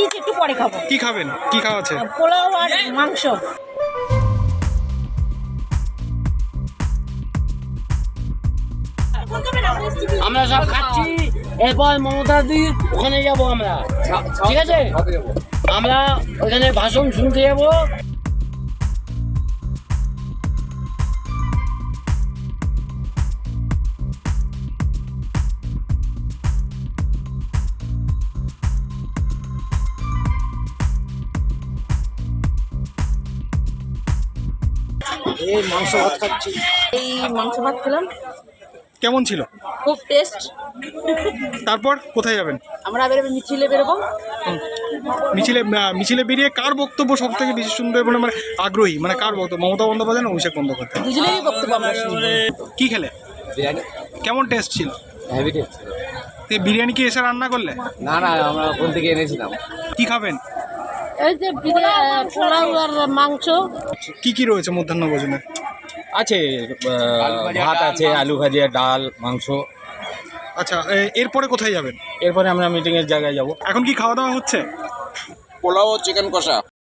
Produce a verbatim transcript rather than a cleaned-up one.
দিয়েছি, একটু পরে খাবো। কি খাবেন? কি খাওয়া আছে? পোলাও আর মাংস। আমরা সব খাচ্ছি, এরপর মমতা দি ওখানে যাব আমরা, ঠিক আছে? আমরা ওখানে ভাষণ শুনতে যাবো। এই মাংস ভাত খাচ্ছি। এই মাংস ভাত খেলাম, কেমন ছিল? খুব টেস্ট। তারপর কোথায় যাবেন? আমরা বেরোবো, মিছিলে বেরোবো। মিছিলে আহ, মিছিলে বেরিয়ে কার বক্তব্য সব থেকে বেশি শুনবে বলে মানে আগ্রহী? মানে কার বক্তব্য, মমতা বন্দ্যোপাধ্যায় না অভিষেক বন্দ্যোপাধ্যায়? দুজনেরই বক্তব্য আমরা শুনবো। কি খেলে? বিরিয়ানি কেমন টেস্ট ছিল? হেভি টেস্ট ছিল। তো বিরিয়ানি কি এসে রান্না করলে? না না, আমরা কোন থেকে এনেছিলাম। কি খাবেন? এই যে পোলাও আর মাংস। কি কি রয়েছে মধ্যাহ্ন ভোজনে? আছে ভাত আছে, আলু ভাজা, ডাল, মাংস। আচ্ছা, এ- এরপরে কোথায় যাবেন? এরপরে আমরা মিটিংয়ের জায়গায় যাব। এখন কি খাওয়া দাওয়া হচ্ছে? পোলাও চিকেন কষা।